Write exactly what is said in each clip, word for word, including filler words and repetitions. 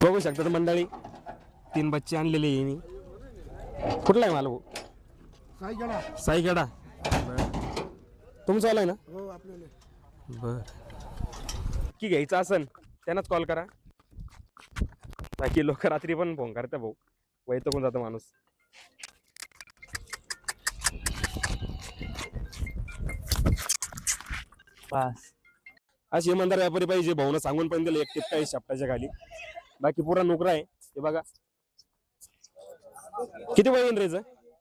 बघू शकता मंडळी, तीन बच्चे आणलेले आहे मी. कुठला आहे मला भाऊ? साईगडा. साईगडा. तुमचं आलाय ना? हो आपल्याला. बर, की घ्यायचं असन त्यांनाच कॉल करा. बाकी लोक रात्री पण फोन करता भाऊ, वैतागून जातो माणूस. पास अशी इमानदार व्यापारी पाहिजे. भाऊनं सांगून पण दिलं एक टिपका आहे शापटाच्या खाली. बाकी पुरा नोकरा आहे. हे बघा किती वय रेज.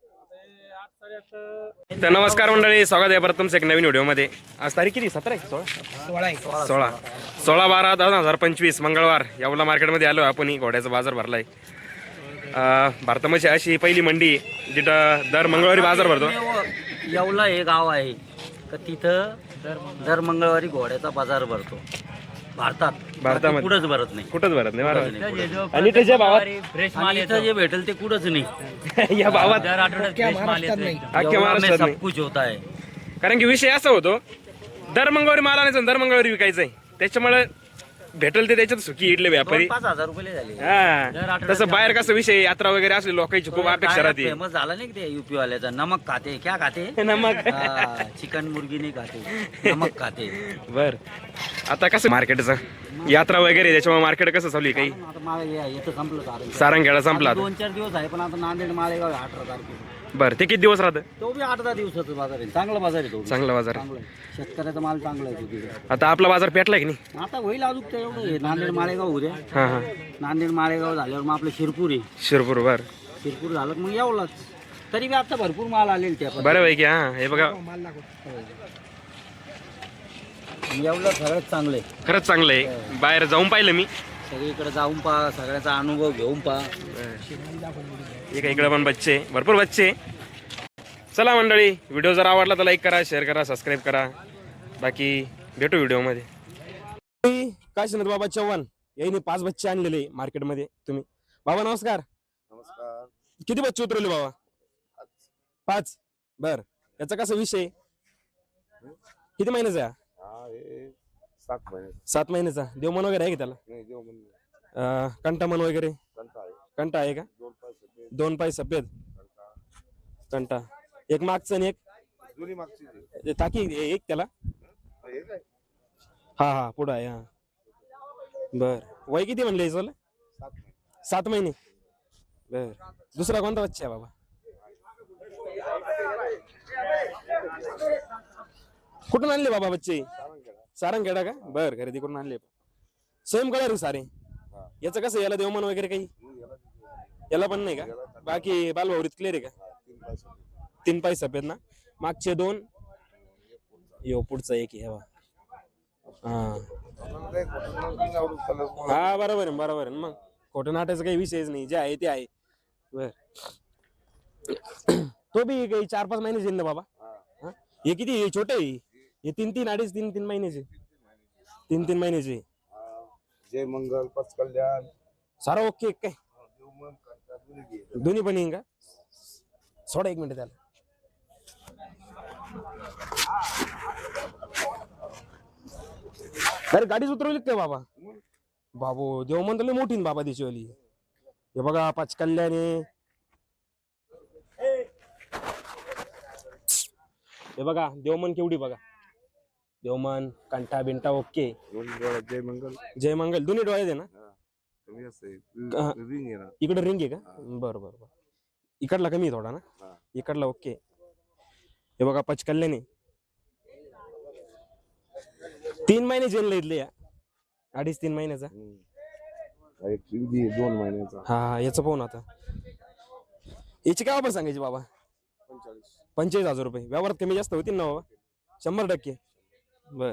तर नमस्कार मंडळी, स्वागत आहे परत तुमचं एक नवीन व्हिडिओमध्ये. आज तारीख किती? सतरा आहे? सोळा सोळा सोळा बारा दोन हजार पंचवीस मंगळवार यावला मार्केटमध्ये आलो आपण. घोड्याचा बाजार भरलाय. भारतामध्ये अशी पहिली मंडी जिथं दर मंगळवारी बाजार भरतो. येवला हे गाव आहे तर तिथं दर मंगळवारी घोड्याचा बाजार भरतो भारतात. भारतामध्ये कुठंच भरत नाही, कुठंच भरत नाही. आणि त्याच्या भावात फ्रेश माल इथं जे भेटेल ते कुठंच नाही. या भावात दर आठवड्यात फ्रेश माल येतो. अख्ख्या महाराष्ट्रात सब नाही. कुछ होता है. कारण की विषय असा होतो, दर मंगळवारी माल आणायचा, दर मंगळवारी विकायचंय. त्याच्यामुळे भेटल ते त्याच्यात सुखी इडले व्यापारी. पाच हजार रुपये झाले. हा, तसं बाहेर कसं विषय यात्रा वगैरे असले लोकांची खूप अपेक्षा राहते. फेमस झाला नाही ते युपी वाल्याचा. नमक खाते क्या खाते? नमक. चिकन मुर्गी नाही खाते, नमक खाते. बर, आता कसं मार्केटचं यात्रा वगैरे त्याच्यामुळे मार्केट कसं चालू आहे? काही आता मला हे- याचं संपलं सारं. सारंगखेडा संपला आता. दोन चार दिवस आहे, पण आता नांदेड मालेगाव आहे अठरा तारखेला. बरं, ते किती दिवस राहतं? तो बी आठ दहा दिवसाचा बाजार आहे. चांगला बाजार आहे तो बी. चांगला बाजार. चांगला आहे. शेतकऱ्याचा माल चांगला आहे तो तिकडे. आता आपला बाजार पेटलाय की नाही? आता होईल अजून ते एवढं हे. नांदेड मालेगाव उद्या. हा हा, नांदेड मालेगाव झाल्यावर मग आपलं शिरपूर आहे. शिरपूर. बर, शिरपूर झालं की मग येवलाच. तरी बी आता भरपूर माल आलेले त्या बरं पैकी. हा, हे बघा येवला खरंच चांगलं आहे. खरंच चांगलं आहे. बाहेर जाऊन पाहिलं मी. सगळीकडे जाऊन पहा, सगळ्याचा अनुभव घेऊन पहा. एक इकडे पण बच्चे, भरपूर बच्चे. चला मंडळी, व्हिडिओ जर आवडला तर लाईक करा, शेअर करा, सबस्क्राईब करा. बाकी भेटू व्हिडिओमध्ये. काशीनाथ बाबा चव्हाण यांनी पाच बच्चे आणलेले मार्केटमध्ये. तुम्ही बाबा नमस्कार. नमस्कार. किती बच्चे उतरवले बाबा? पाच. बर, याचा कसा विषय? किती महिन्याचा आहे? हा हे सात महिने. सात महिन्याचा. देवमन वगैरे आहे का त्याला? नाही देव म्हणजे अं, कंटामन वगैरे? कंटा आहे. कंटा आहे का? दोन पाच सफेद दोन पाय सफेद कंटा. कंटा. एक मागचं आणि एक जुनी मागची जी. ते टाकी एक त्याला. हे काय? हा हा, पुढं आहे. हा, बर. वय किती म्हणले याचं? सात महिने. सात महिने. बर, दुसरा कोणता बच्चा आहे बाबा? कुठून आणले बाबा बच्चे? सारंगखेडा. सारंगखेडा का? बर, खरेदी करून आणले. सेम कलर सारे. हा. याचं कसं, याला देवमन वगैरे काही? मग याला किती? याला पण नाही का? बाकी बालभावरीत क्लिअर आहे का? हा, तीन पाच सफेद. तीन पाय सफेद ना. मागचे दोन. यो पुढचा एक आहे बा. हा आपल्याला काय खोटं नाही आवडत कलर. हा, बरोबर आहे बरोबर आहे. मग खोटं नाटायचं काही विषयच नाही, जे आहे ते आहे. बर, तो बी काही चार पाच महिने येईल ना बाबा? हा. हा? हे किती? हे छोटे आहे. हे तीन तीन अडीच तीन तीन महिन्याचे. तीन तीन महिन्याचे. हा. जय मंगल पच कल्याण. सारा ओके एक काय? देवमन कंटा जुनी घे. दोन्ही पण येईन का? सोडा एक मिनिट त्याला. अरे गाडीच उतरवली काय बाबा? बाबू देव म्हणतो मोठी ना बाबा दिशेवाली. हे बघा पाच कल्याणे. हे बघा देवमन केवढी बघा. देवमन कंठा बिंटा ओके. दोन डोळ्यात जय मंगल. जय मंगल दोन्ही डोळे आहे ना. हा. कमी असते. हा. रिंग आहे ना. इकडे रिंग आहे का? हा. बरं बरं बरं. इकडला कमी आहे थोडा ना. हा. इकडला ओके. हे बघा पाच कल्याणे. तीन महिने जेल इथले या. अडीच तीन महिन्याचा. हम्म. एक शिवजी आहे, दोन महिन्याचा. हा हा, याचं पाहून आता. याची काय वापर सांगायची बाबा? पंचेचाळीस. पंचेचाळीस हजार रुपये. व्यवहारात कमी जास्त होतील ना बाबा? शंभर टक्के. बर,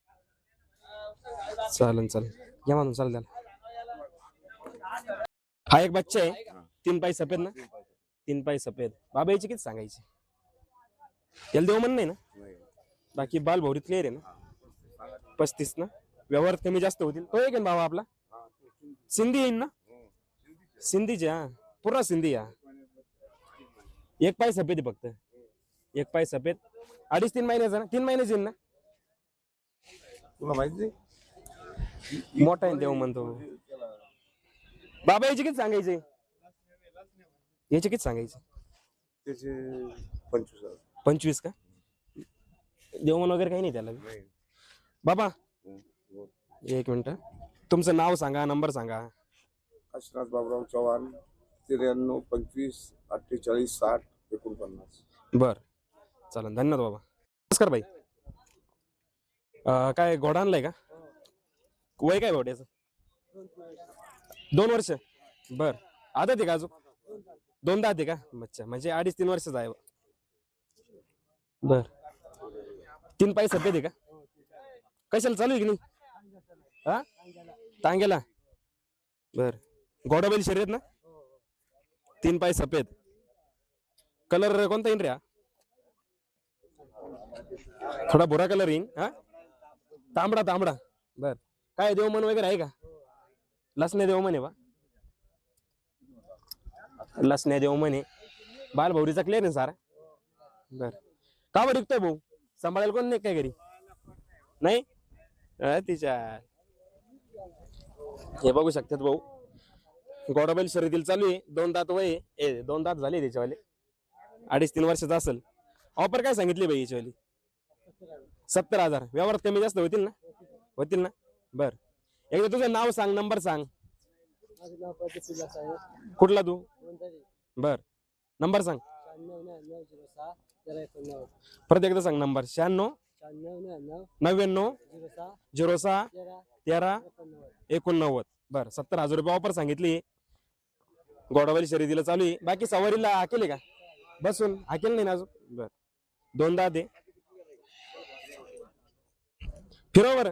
चालन चालेल. घ्या म्हणून चालेल त्याला. हा एक बच्चा आहे. तीन पाय सफेद ना. तीन पाय सफेद. बाबा याची किती सांगायची? याला देव म्हण नाही ना. नाही. बाकी बाल भौरीत क्लिअर आहे ना. पस्तीस ना. व्यवहारात कमी जास्त होतील. तो एक आहे ना बाबा आपला? हा, तो शिंदी. सिंधी येईन ना. हो. शिंदीचे. सिंधीचे. हा, पूर्ण सिंधी. हा, एक पाय सफेद आहे फक्त. एक पाय सफेद. अडीच तीन महिन्याचा ना. तीन महिन्याचे येईन ना. तुला माहिती नाही? मोठा आहे देव म्हणतो. बाबा याचे किती सांगायचे याचे किती सांगायचे त्याचे पंचवीस हजार. पंचवीस का देवमन वगैरे काही नाही त्याला नाही. बाबा हं, बोल. एक मिनिट तुमचं नाव सांगा नंबर सांगा काशीनाथ बाबुराव चव्हाण त्र्याण्णव पंचवीस अठ्ठेचाळीस साठ एकोणपन्नास. बर चालेल धन्यवाद बाबा नमस्कार भाई अं, काय घोडा आणलाय का वय काय घोड्याचं दोन वर्ष बर आदत आहे का अजून दोन दात आहे का अच्छा म्हणजे अडीच तीन वर्षच आहे बर तीन पाय सध्या आहे का कशाला चालू आहे की नाही हा टांग्याला बर घोडा बैल शर्यत ना तीन पाय सफेद कलर कोणता येईन रे हा? थोडा भुरा कलर येईन हा तांबडा तांबडा बर काय देवमन वगैरे आहे का लसण्या देवमन आहे बा लसण्या देवमन आहे बाल भौरीचा क्लिअर आहे सारा बर का बरं विकतोय भाऊ सांभाळायला कोण नाही काय घरी नाही अं, तिच्या हे बघू शकतात भाऊ गोडाबैल शर्यतील चालू आहे दोन दात वय आहे. ए दोन दात झाले त्याच्यावाले अडीच तीन वर्षाचा असेल ऑफर काय सांगितली बाई याच्यावाली सत्तर हजार व्यवहारात कमी जास्त होतील ना होतील ना बर एकदा तुझं नाव सांग नंबर सांग कुठला तू बर नंबर सांग परत एकदा सांग नंबर शहाण्णव नव्याण्णव झिरो सहा तेरा एकोणनव्वद बर सत्तर हजार रुपये ऑफर सांगितली गोडावाली शर्यतीला चालू आहे बाकी सवारीला हाकेले का बसून हाकेल नाही ना अजून बर दोनदा दे फिरव बर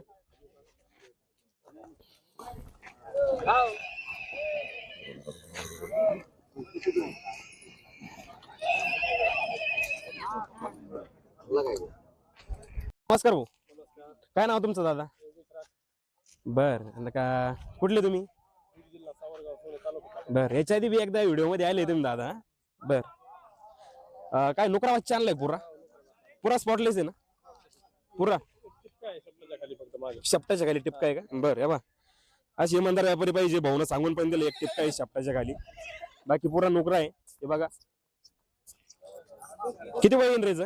नमस्कार भाऊ काय नाव तुमचं दादा बर आणि का कुठले तुम्ही बर याच्या आधी बी एकदा व्हिडिओ मध्ये आले तुम्ही दादा बर अं, काय नुकरा वाच्चा आणलाय पुरा पुरा स्पॉटलेस आहे ना पुरा शपटाच्या खाली टिपका आहे का बर या बा अशी इमानदार व्यापारी पाहिजे भाऊन सांगून पण दिलं एक टिपका आहे शपटाच्या खाली बाकी पुरा नुकरा आहे हे बघा किती वय रेच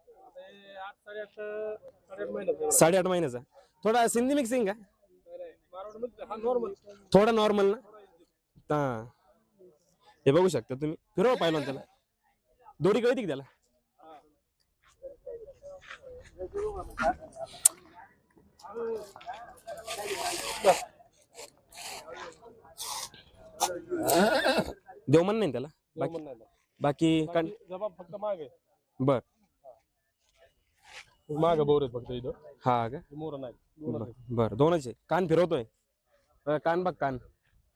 साडेआठ महिन्याचा थोडा सिंधी मिक्सिंग का थोडा नॉर्मल ना हा हे बघू शकता तुम्ही फिरवा पाहिलं ना त्याला दोरी कळती की त्याला देवमन नाही त्याला बाकी बाकी कण फक्त माग आहे बर माग बोर फक्त इथं हा का मोर नाही बर बर दोनच आहे कान फिरवतोय अं, कान बघ कान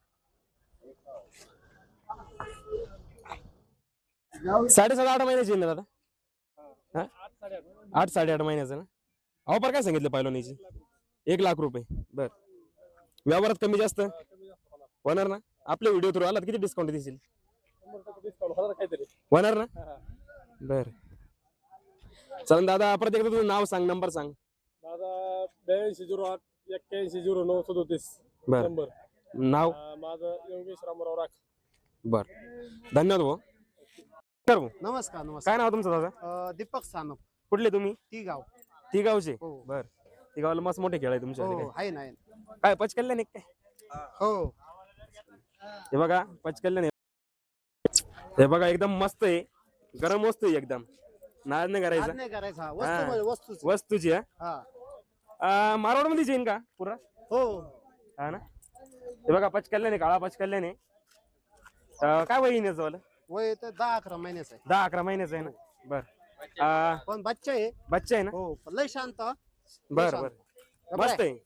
साडेसात आठ महिन्याची आहे ना दादा हा आठ साडेआठ महिन्याचं ना ऑफर काय सांगितलं पाहिलोनीची एक लाख रुपये बर व्यवहारात कमी जास्त होणार ना आपल्या व्हिडिओ थ्रू आला किती डिस्काउंट देशील काहीतरी होणार ना बर चल दादा परत एकदा तुझं नाव सांग नंबर सांग माझा ब्याऐंशी झिरो आठ एक्क्याऐंशी झिरो नऊ सदोतीस बर नंबर नाव माझं योगेश रामराव राख बर धन्यवाद भाऊ नमस्कार भाऊ. नमस्कार नमस्कार काय नाव तुमचं दादा अ, दीपक सानप कुठले तुम्ही ती गाव ती गावचे हो बर ती गावाला मस्त मोठे खेळ आहे तुमच्या हो आहे ना आहे ना. काय पचकल्याने काय हो हे बघा पचकल्याने हे बघा एकदम मस्त आहे गरम वस्तू आहे एकदम नाद नाही आज करायचा नाही करायचा हा. हा. वस्तू म्हणजे वस्तूच वस्तूची हा मारवाड मध्ये येईन का पुरा हो हा ना हे बघा पचकल्याने काळा पचकल्याने अं, काय वय येण्याचं वाला वय तर दहा अकरा महिन्याचं आहे दहा अकरा महिन्याचं आहे ना बर अं, पण बच्चा आहे बच्चा आहे ना हो पण लय शांत हा. बर शांत. बर गप्प मस्त आहे.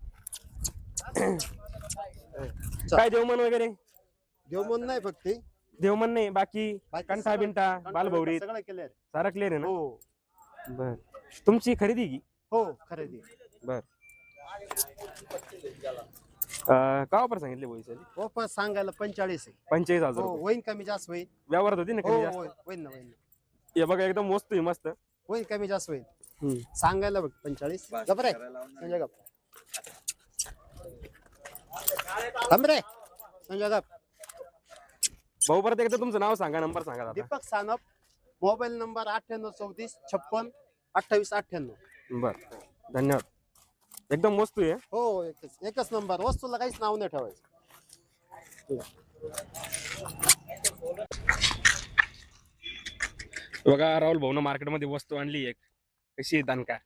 आहे काय देवमन वगैरे देव म्हणून नाही फक्त ते. देवमन नाही बाकी बाकी कंठा सगळं- बिंटा कंटाळा बालभौरी सगळं केलंय सारा क्लिअर आहे ना हो बर तुमची खरेदी की हो खरेदी बर अं, का वापर सांगितले बोईसाठी वापस सांगायला पंचेचाळीस आहे पंचेचाळीस हजार हो रुपये. होईन कमी जास्त होईल व्यवहारात होती ना हो कमी जास्त होईल होईन ना होईन ना. हे बघा एकदम वस्तू आहे मस्त होईल कमी जास्त होईल हम्म. सांगायला बघ पंचेचाळीस गप रे संजय गप गप रे संजय गप भाऊ परत एकदा तुमचं नाव सांगा, नंबर सांगा दादा. दीपक सानप, मोबाईल नंबर अठ्ठ्याण्णव चौतीस छप्पन अठ्ठावीस अठ्ठ्याण्णव. बर, धन्यवाद. एकदम मस्त आहे. हो, एकच एकच नंबर. वस्तूला काहीच नाव नाही ठेवायचं. बघा राहुल भाऊन मार्केटमध्ये वस्तू आणली एक. कशी आहे दणका?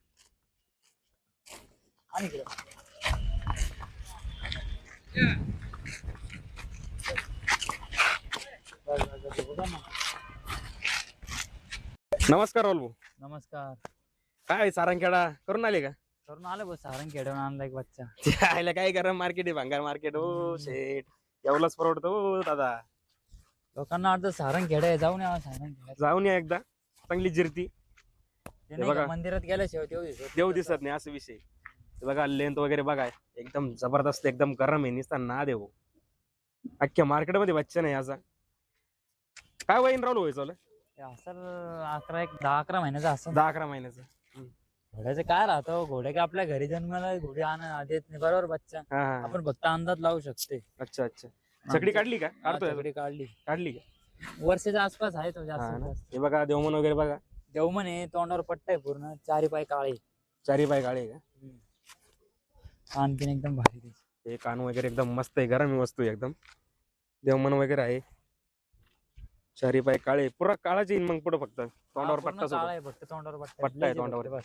नमस्कार राहुल भाऊ. नमस्कार. काय सारंगखेडा करून आले का? करून आलो बस सारंग खेळून आणला एक बच्चा. त्याला काय करा, मार्केट आहे भंगार मार्केट. हो शेट, एवढंच परवडतो हो दादा. लोकांना वाटतं सारंग खेळ आहे, जाऊन या सारंग खेळ. जाऊन या एकदा, चांगली जिरती. ते नाही बघा. का, मंदिरात गेल्याशिवाय तेव्हा दिसत देव दिसत नाही असं विषय. हे बघा लेंथ वगैरे बघा, एकदम जबरदस्त, एकदम गरम आहे. निसता ना देव अख्ख्या मार्केटमध्ये बच्चा नाही असा. काय वहीन राहुल व्हायचं ते असेल अकरा एक दहा अकरा महिन्याचा असं. दहा अकरा महिन्याचं. घोड्याचं काय राहतं, घोडे का आपल्या घरी जन्माला घोडे आण देत नाही बरोबर बच्चा. हा हा. आपण फक्त अंदाज लावू शकते. अच्छा अच्छा. छकडी काढली का? काढतोय छकडी काढली, काढली का? वर्षाच्या आसपास आहे तो हा जास्त ना. जास्त. हे बघा देवमन वगैरे बघा, देव म्हणे तोंडावर पट्टा आहे पूर्ण, चारी पाय काळे, चारी पाय काळे आहे का? खानपिन एकदम भारी त्याची. हे कान वगैरे एकदम मस्त आहे, गरम वस्तू आहे एकदम. देवमन वगैरे आहे, चारी पाय काळे, पुरा काळाच येईन मग पुढे. फक्त तोंडावर हा, पूर्ण पट्टा सोबत. काळा आहे, फक्त तोंडावर पट्टा पट्टा आहे आहे, तोंडावर. बस.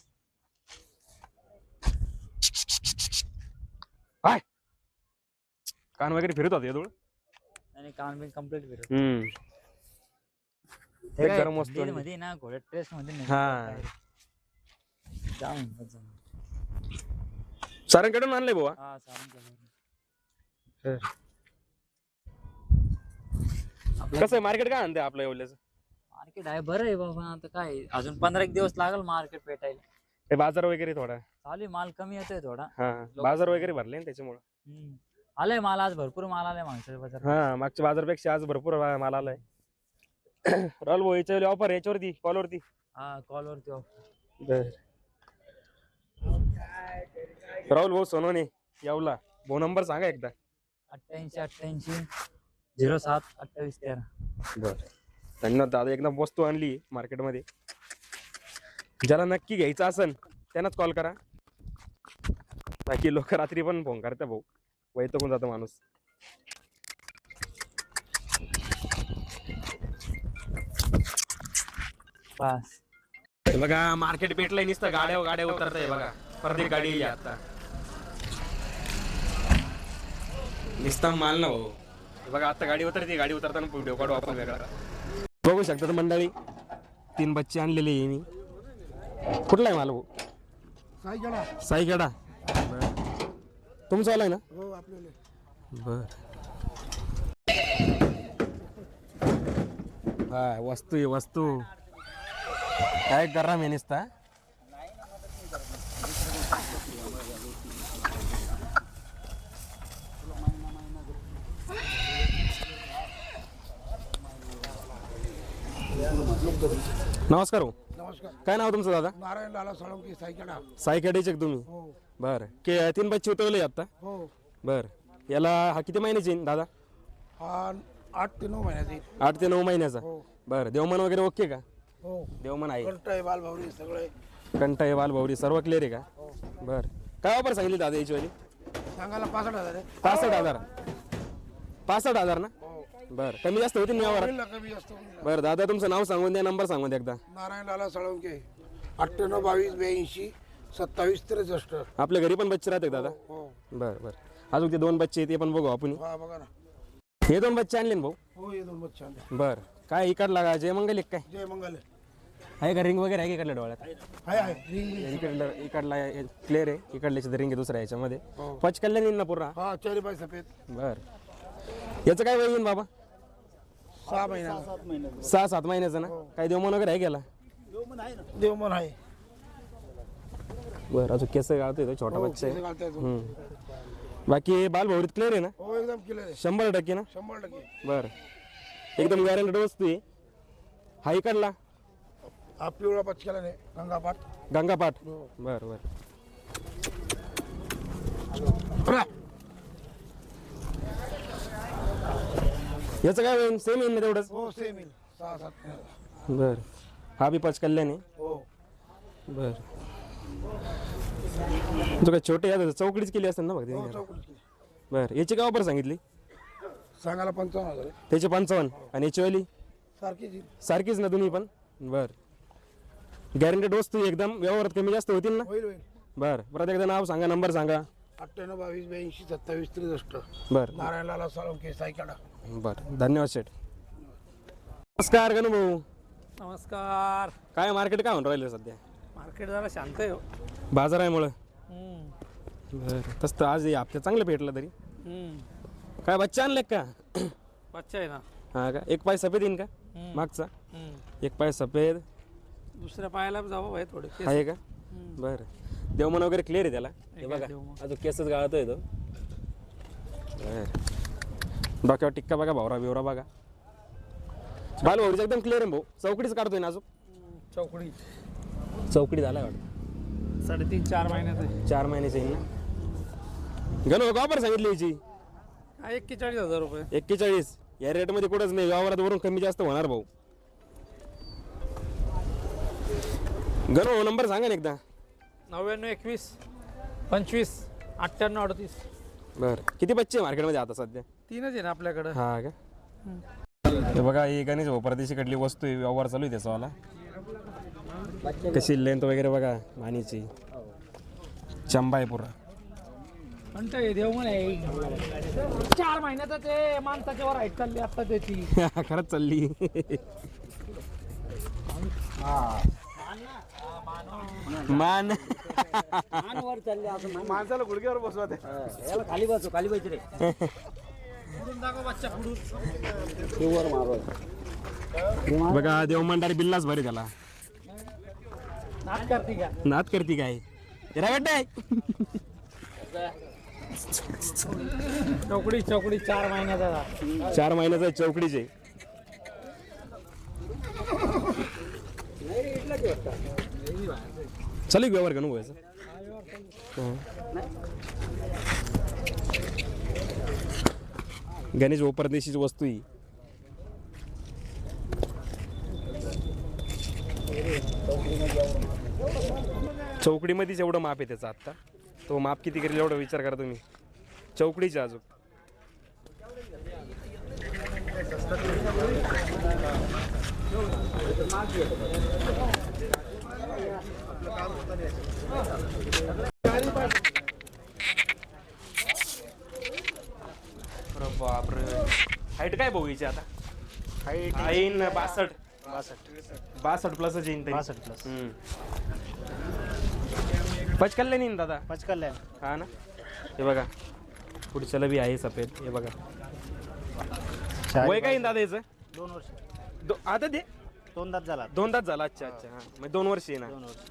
कान वगैरे फिरत होते धूळ. आणि कानपिन कम्प्लीट फिरत. हम्म. ते काय गरम वस्तू दिल आहे. मध्ये ना घोड्या ट्रेस मध्ये नाही. हा. जाऊन बस जाऊन. सारंगकडून आणलंय बुवा. हा सारंग केलं. कसं आहे मार्केट? काय आणते आपलं एवढ्याचं? मार्केट आहे बरं आहे बाबा. आता काय अजून पंधरा एक दिवस लागल मार्केट पेटायला. हे बाजार वगैरे थोडा. चालू आहे, माल कमी येतोय थोडा. हा, बाजार वगैरे भरले ना त्याच्यामुळे. हम्म. आलाय माल, आज भरपूर माल आलाय माणसाच्या बाजार. हा, मागच्या बाजारपेक्षा आज भरपूर माल आलाय. राहुल भाऊ याच्यावर ऑफर याच्यावरती कॉलवरती. हा कॉल वरती offer. बर. राहुल भाऊ सोनवणे यावला भाऊ, नंबर सांगा एकदा. अठ्ठ्याऐंशी अठ्ठ्याऐंशी झिरो सात अठ्ठावीस तेरा. बर, धन्यवाद दादा. एकदम वस्तू आणली मार्केटमध्ये. ज्याला नक्की घ्यायचं असेल त्यांनाच कॉल करा. बाकी लोक रात्री पण फोन करता भाऊ, वैतकून जातो माणूस. पास हे बघा मार्केट पेटलंय, नुसतं गाड्या गाड्या उतरताय बघा. प्रत्येक गाडी येईल आता. नुसता माल ना भाऊ. हे बघा आता गाडी उतरते, गाडी उतरताना व्हिडिओ काढू आपण वेगळा. बघू शकता मंडळी, तीन बच्चे आणलेले आहे मी. कुठला आहे माल भाऊ? साईगडा. साईगडा. तुमचं आलाय ना? हो आपल्याला. बर. हा, वस्तू आहे वस्तू. काय गरम आहे नुसता. नमस्कार भाऊ. नमस्कार. काय नाव तुमचं दादा? नारायण लाला साळुंके साईगडा. सायकडेचे तुम्ही? हो बर. के तीन बच्चे उतरवले आता? हो. बर. याला हा किती महिन्याचे येईन दादा? हा आठ ते नऊ महिन्याचे. आठ ते नऊ महिन्याचा. हो बर. देवमन वगैरे ओके का? हो. देवमन आहे. कंठ आहे, बालभावरी सगळे. कंटा आहे, बालभौरी सर्व क्लिअर आहे का? बर. काय ऑफर सांगितली दादा याची वाली? सांगायला पासष्ट हजार आहे. पासष्ट हजार. पासष्ट हजार ना? हो. बर. कमी जास्त होतील ना यावर? होईल ना, कमी जास्त होईल ना. बरं दादा, तुमचं नाव सांगून द्या, नंबर सांगून द्या एकदा. नारायण लाला साळुंके अठ्ठ्याण्णव बावीस ब्याऐंशी सत्तावीस त्रेसष्ट. आपल्या घरी पण बच्चे राहते दादा? हो. बरं बरं. अजून ते दोन बच्चे ते पण बघू आपण. हा बघा ना. हे दोन बच्चे आणले ना भाऊ? हो हे दोन बच्चे आणले. बर. काय इकडला का जय मंगल एक काय जय मंगल आहे का? रिंग वगैरे आहे का इकडल्या डोळ्यात? आहे आहे रिंग. इकडला इकडला क्लिअर आहे, इकडल्याची रिंग आहे दुसऱ्या याच्यामध्ये. हो. पच कल्याण येईल ना पूर्ण? हा चारी पाय सफेद. बर. याचं काय वय येईन बाबा? सहा महिना. सहा सात महिन्याचं ना? काय देवमन वगैरे आहे गेला? देवमन आहे. बरं. अजून केस गाळतोय तो, छोटा हो, बच्चा आहे. केस घालताय तो. हम्म. बाकी बाल भौरीत क्लिअर आहे ना? हो एकदम क्लिअर आहे. शंभर टक्के ना? शंभर टक्के. बर. एकदम गॅरंटेड वस्तू आहे. हा इकडला हा पिवळा पचकेला नाही, गंगापाठ. गंगापाठ. हो. बर बर. याचं काय होईल सेम येईल ना तेवढंच. हो सेम येईल सहा सात महिन्याचा. बर हा बी पाच कल्याण आहे. हो बर तो काय छोटे या चौकडीच केली असेल ना हो बघ. चौकडी बर याची काय ऑफर सांगितली? सांगायला पंचावन्न हजार आहे. त्याचे पंचावन्न आणि याची वाली सारखीच येईल. सारखीच ना तुम्ही पण. बर गॅरंटेड वस्तू एकदम व्यवहारात कमी जास्त होतील ना. होईल होईल. बर परत एकदा नाव सांगा नंबर सांगा. अठ्ठ्याण्णव बावीस ब्याऐंशी सत्तावीस त्रेसष्ट बर नारायणलाला साळुंके सायकाडा. बर धन्यवाद शेठ. नमस्कार गणू भाऊ. नमस्कार. काय मार्केट काय म्हणून राहिलं सध्या? मार्केट जरा शांत आहे हो. बाजार आहे मुळे. हम्म. बर तसं तर आज हप्ते चांगलं भेटलं तरी. हम्म. काय बच्चा आणले का? बच्चा आहे ना. हा का एक पाय सफेद येईन का हम्म. मागचा? हम्म. एक पाय सफेद दुसऱ्या पायाला जावं भाई थोडे केस. आहे का? हम्म. बरं देवमन वगैरे क्लिअर आहे त्याला. हे आहे बघा देवमन. अजून केसच गाळतोय तो. बरं डोक्यावर टिक्का बघा भावरा बिवरा बघा. बाल भाऊचा एकदम क्लिअर आहे भाऊ. चौकडीच काढतोय ना अजून. चौकडी चौकडी झालाय वाटतं. साडेतीन चार महिन्यात आहे. चार महिन्याचे येईल ना. गणू ऑफर सांगितली याची हा एक्केचाळीस हजार रुपये. एक्केचाळीस. या रेटमध्ये कुठंच नाही व्यवहारात वरून कमी जास्त होणार भाऊ. गणू नंबर सांगा ना एकदा. नव्याण्णव एकवीस पंचवीस अठ्ठ्याण्णव अडतीस. बरं किती बच्चे मार्केटमध्ये आता सध्या? तीनच आहे ना आपल्याकडं. हा का? हे बघा ही गणेश भाऊ परदेशीकडली वस्तू आहे. व्यवहार चालू आहे त्याचावाला. कशी लेंथ वगैरे बघा मानीची. चंबा आहे पुरा. म्हणतो हे देव म्हणे चार महिन्याचा ते माणसाच्या वर हाईट चालली आता त्याची. खरंच चालली. मान वर चालले असं माणसाला गुडघ्यावर बसवा ते. याला खाली बसू खाली बस रे. ते वर मारो. बघा देवमंडारी बिल्लाच भरे त्याला. नाच करते का? नात करती काय रागट चौकडी चौकडी चार महिन्याचा. चार महिन्याचा चौकडीचे. चालू व्यवहार का नको याचा? गणेश भाऊ परदेशीची वस्तू ही. चौकडीमध्येच एवढं माप आहे त्याचं आत्ता. तो माप किती करेल एवढा विचार करा तुम्ही. चौकडीचे अजून बापरे. हाईट काय भाऊ हिची आता? हाईट येईन बासष्ट. बासष्ट बासष्ट प्लस येईन तरी. बासष्ट प्लस. पचकल्ले नाही दादा. पचकल्याण. हा ना. हे बघा पुढच्याला बी आहे सफेद. हे बघा वय काय येईन दादा याचं? दोन वर्ष. दो आता ते दोन दात झाला. दोन तास झाला. अच्छा अच्छा हा मग दोन वर्ष आहे ना. दोन वर्ष.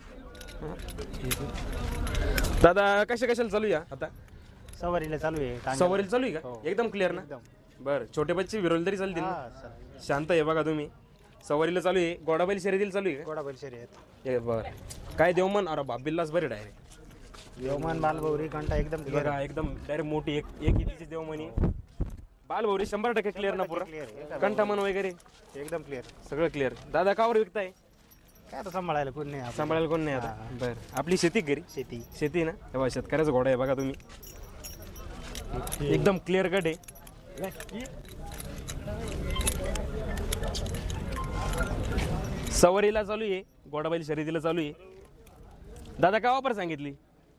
दादा कशा कशाला चालू या आता? सवारीला चालू आहे. सवारीला चालू आहे का? हो. एकदम क्लिअर ना. एकदम. बरं छोटे बच्चे विरोल तरी चालतील ना? हा, सर. शांत आहे बघा तुम्ही. सवारीला चालू आहे. गोडाबैल शर्यतीला चालू आहे का? गोडा बैल शरी आहेत. हे बरं काय देवमन अरे बाबिल्लाच बरे डायरेक्ट. यवमान बालभौरी कंटा एकदम क्लिअर. बघा एकदम डायरेक्ट मोठी एक एक इतीची देवमनी. बालभौरी शंभर टक्के क्लिअर ना पुरा. क्लिअर. कंठामन वगैरे एकदम क्लिअर. सगळं क्लिअर. दादा कावर विकताय? काय आता सांभाळायला कोण नाही आपण. सांभाळायला कोण नाही आता. बरं आपली शेती घरी शेती. शेती ना. तेव्हा शेतकऱ्याचा घोडा आहे बघा तुम्ही. एकदम क्लिअर कट आहे. सवारीला चालू आहे. गोडाबैल शर्यतीला चालू आहे. दादा काय ऑफर सांगितली?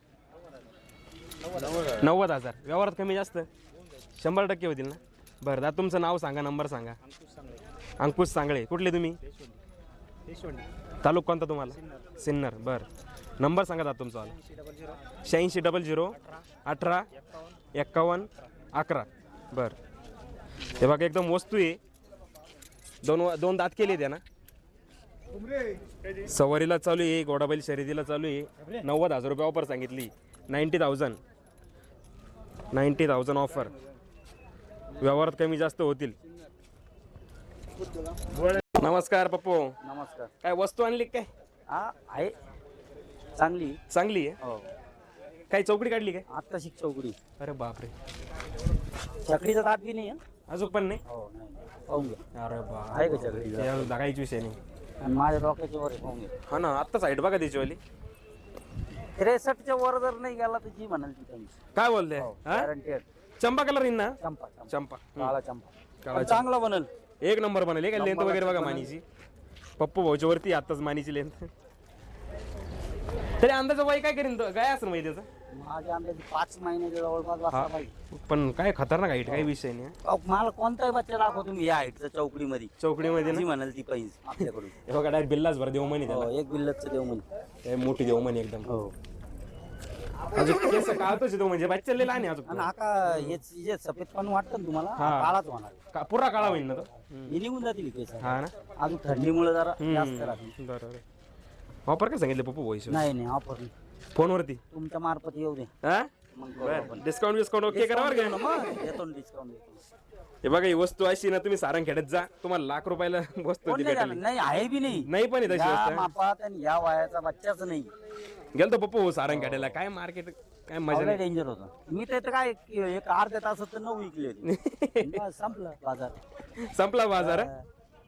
नव्वद हजार. व्यवहारात कमी जास्त शंभर टक्के होतील ना. बरं दादा तुमचं नाव सांगा नंबर सांगा. अंकुश सांगळे. कुठले तुम्ही? तालुका कोणता तुम्हाला? सिन्नर. बरं नंबर सांगा दादा तुमचा. शहाऐंशी डबल झिरो अठरा एक्कावन्न अकरा. बरं हे बघा एकदम वस्तू आहे. दोन दोन दात केले त्या ना. सवारीला चालू आहे. गोडाबैल शर्यतीला चालू आहे. नव्वद हजार रुपये ऑफर सांगितली. Ninety thousand ninety thousand offer. व्यवहारात कमी जास्त होतील. नमस्कार पप्पू. नमस्कार. काय वस्तू आणली काय? हा आहे चांगली. चांगली आहे. हो काही चौकडी काढली काय? आत्ता शिक चौकडी. अरे बापरे. चकडीचा दात बी नाही आहे. अजून पण नाही हो नाही पाहून घ्या अरे बा आहे का सगळी ते दागायची विषय नाही आणि माझ्या डोक्याच्या वर आहे, पाहून घ्या हा ना आत्ता साईड बघा त्याच्यावाली त्रेसष्टच्या वर जर नाही गेला तर जी म्हणाल ती त्यांची काय बोलते हो, हा गॅरंटेड चंपा कलर येईन ना चंपा चंपा चंपा काळा चंपा काळा पण चांगला बनल एक नंबर बनले का लेंथ वगैरे बघा मानीची पप्पू भाऊच्या वरती आताच मानीची लेंथ तरी अंदाज वय काय करीन तो? काय असं माहिती त्याचं माझ्या अंदाजे पाच महिन्याच्या जवळपास हा वाजता पाहिजे पण काय खतरनाक हाईट काही विषय नाही अहो, मला कोणताही बच्चा दाखव तुम्ही या हाईटच्या चौकडीमध्ये चौकडीमध्ये जी ना म्हणाल ती पाहिजे आपल्याकडून हे बघा डायरेक्ट बिल्लाच भर देव म्हणे हो, त्याला एक बिल्लतचं देव म्हणे हे मोठी देव म्हणे एकदम हो अजून केस काळतोच तो म्हणजे बच्चा लय लहान आहे अजून आणि हा का हेच जे सफेद पण वाटतं ना तुम्हाला हा. काळाच होणार का- पुरा काळा होईल ना तो हे निघून जातील केस हा ना अजून थंडीमुळे जरा जास्त राहतील बरोबर वापर काय सांगितलं पप्पू भोईस नाही नाही ऑफर नाही फोनवरती तुमच्या मार्फत येऊ दे हा मग करू बर आपण. डिस्काउंट डिस्काउंट ओके करा बरं का मग देतो ना डिस्काउंट देतो हे बघा ही वस्तू अशी ना तुम्ही सारंग खेड्यात जा तुम्हाला लाख रुपयाला वस्तू कोण ती नाही भेटेल जाणार? नाही आहे बी नाही नाही पण आहे तशी या वस्तू मापात आणि या वयाचा बच्चाच नाही गेलतो पप्पू सारंग खेड्याला काय मार्केट काय मजा नाही डेंजर होतं मी तर इथं काय एक अर्ध्या तासात तर नऊ विकले होते बस, संपलं बाजार संपला बाजार हा?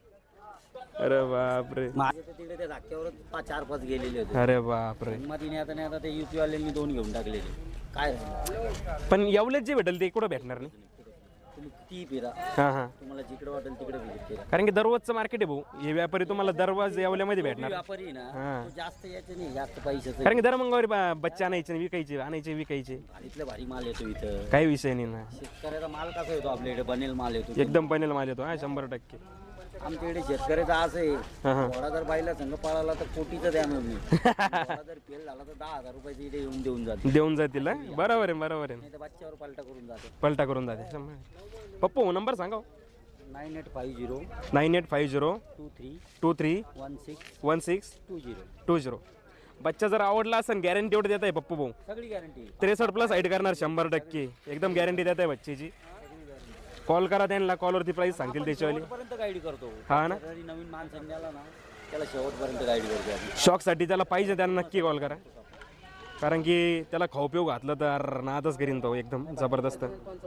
अरे बापरे माझे तर तिकडे त्या धाक्यावर पाच चार पाच गेलेले होते अरे बापरे मध्ये नाही आता नाही आता ते युपी वाल्यांनी दोन घेऊन टाकलेले काय राहिलं? पण एवढेच जे भेटेल ते कुठं भेटणार नाही तुम्ही किती फिरा हा हा तुम्हाला जिकडे वाटेल तिकडे visit करा. कारण की दररोजचं मार्केट आहे भाऊ हे व्यापारी तुम्हाला दररोज येवल्यामध्ये भेटणार व्यापारी आहे ना हा. तो जास्त याचे नाही जास्त पैशाचं कारण की दर मंगळवारी बा- बच्चे आणायचे आणि विकायचे आणायचे विकायचे भारीतले भारी माल येतो इथं काही विषय नाही ना शेतकऱ्याचा माल कसा येतो आपल्याकडे बनेल माल येतो एकदम पनेल माल येतो हा शंभर टक्के आमच्याकडे शेतकऱ्याचा असं आहे हा हा घोडा जर बाईला संघ पळाला तर कोटीचं द्या नाही घोडा जर फेल झाला तर दहा हजार रुपयाचे इथे येऊन देऊन जाते देऊन जातील हा? बरोबर आहे बरोबर आहे नाही तर बच्च्यावर पालटा करून जाते पलटा करून जाते शंभर पप्पू नंबर सांगा nine eight five zero nine eight five zero two three two three one six one six two zero two zero बच्चा जर आवडला असेल गॅरंटी एवढं देत आहे पप्पू भाऊ सगळी गॅरंटी त्रेसष्ट प्लस हाईट करणार शंभर टक्के एकदम गॅरंटी देत आहे बच्चेची कॉल करा त्यांना कॉलवरती प्राईस सांगतील त्याच्यावाली शेवटपर्यंत गाईड करतो हा ना जरी नवीन माणसं द्याला ना त्याला शेवटपर्यंत गाईड करतो आम्ही. शॉकसाठी त्याला पाहिजे त्यांना नक्की कॉल करा कारण की त्याला खाऊ पिऊ घातलं तर नादच करीन तो एकदम जबरदस्त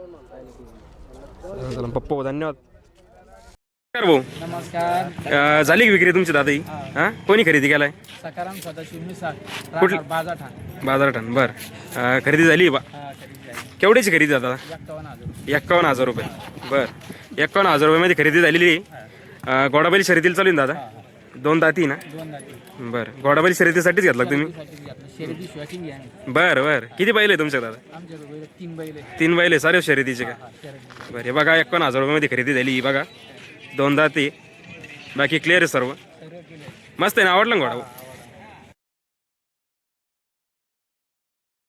चला पप्पू धन्यवाद नमस्कार भाऊ नमस्कार अं, झाली की विक्री तुमची दादा ही हा कोणी खरेदी केलाय सकाराम सदाशिव मिसाळ कुठली? राहणार बाजा ठाण बाजारठाण बर अं, खरेदी झाली बा हा खरेदी आहे केवढीची खरेदी दादा एक्कावन्न हजार एक्कावन्न हजार रुपये बर एक्कावन्न हजार रुपयामध्ये खरेदी झालेली आहे अं, घोडाबैल शर्यतीला चालू आहे ना दादा दोन दाती ना दोन जाती बरं घोडाबैल शर्यतीसाठीच घेतला का तुम्ही शर्यती शॉकिंग आहे बरं बरं किती बैल आहे तुमच्या दादा आमच्याकडे बैल तीन बैल आहे तीन बैल आहे सारे शर्यतीचे का हा, शर्यती बरं हे बघा एक्कावन्न हजार रुपयामध्ये खरेदी झाली ही बघा दोन दाती बाकी क्लिअर आहे सर्व सर्व केले मस्त आहे ना आवडलं ना घोडा